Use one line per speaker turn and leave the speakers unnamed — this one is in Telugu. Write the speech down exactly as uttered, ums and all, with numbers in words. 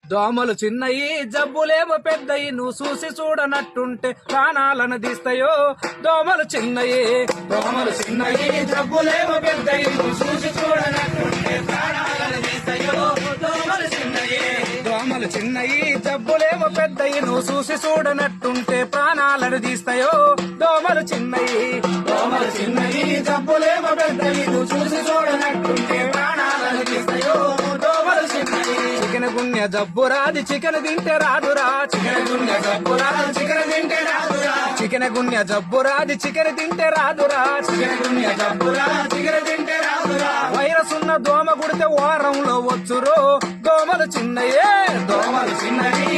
దోమలు చిన్నయి జబ్బులేమో పెద్దయి నువ్వు చూసి చూడనట్టుంటే ప్రాణాలను తీస్తాయో. దోమలు చిన్నయి దోమలు చిన్నయి జబ్బులేమో పెద్దయి నువ్వు చూసి చూడనట్టుంటే ప్రాణాలను తీస్తాయో. దోమలు చిన్నయి దోమలు చిన్నయి జబ్బులేమో పెద్దయి నువ్వు చూసి చూడనట్టుంటే ప్రాణాలను తీస్తాయో. దోమలు చిన్నయి దోమలు చిన్నయి జబ్బులేమో పెద్దయి నువ్వు చూసి చూడనట్టుంటే ప్రాణాలను తీస్తాయో. దోమలు చిన్నయి చికెన్ గున్య జబ్బు రాది చికెన్ తింటే రాదురా. చికెన్ గున్య జబ్బు రాదు చికెన్ తింటే రాదురా. చికెన్ గున్య జబ్బు రాది చికెన్ తింటే రాదురా. చికెన్ గున్య జబ్బు రాదు చికెన్ తింటే రాదురా. వైరస్ ఉన్న దోమ కుడితే వారంలో వచ్చురో. దోమలు చిన్నయే దోమలు చిన్నయి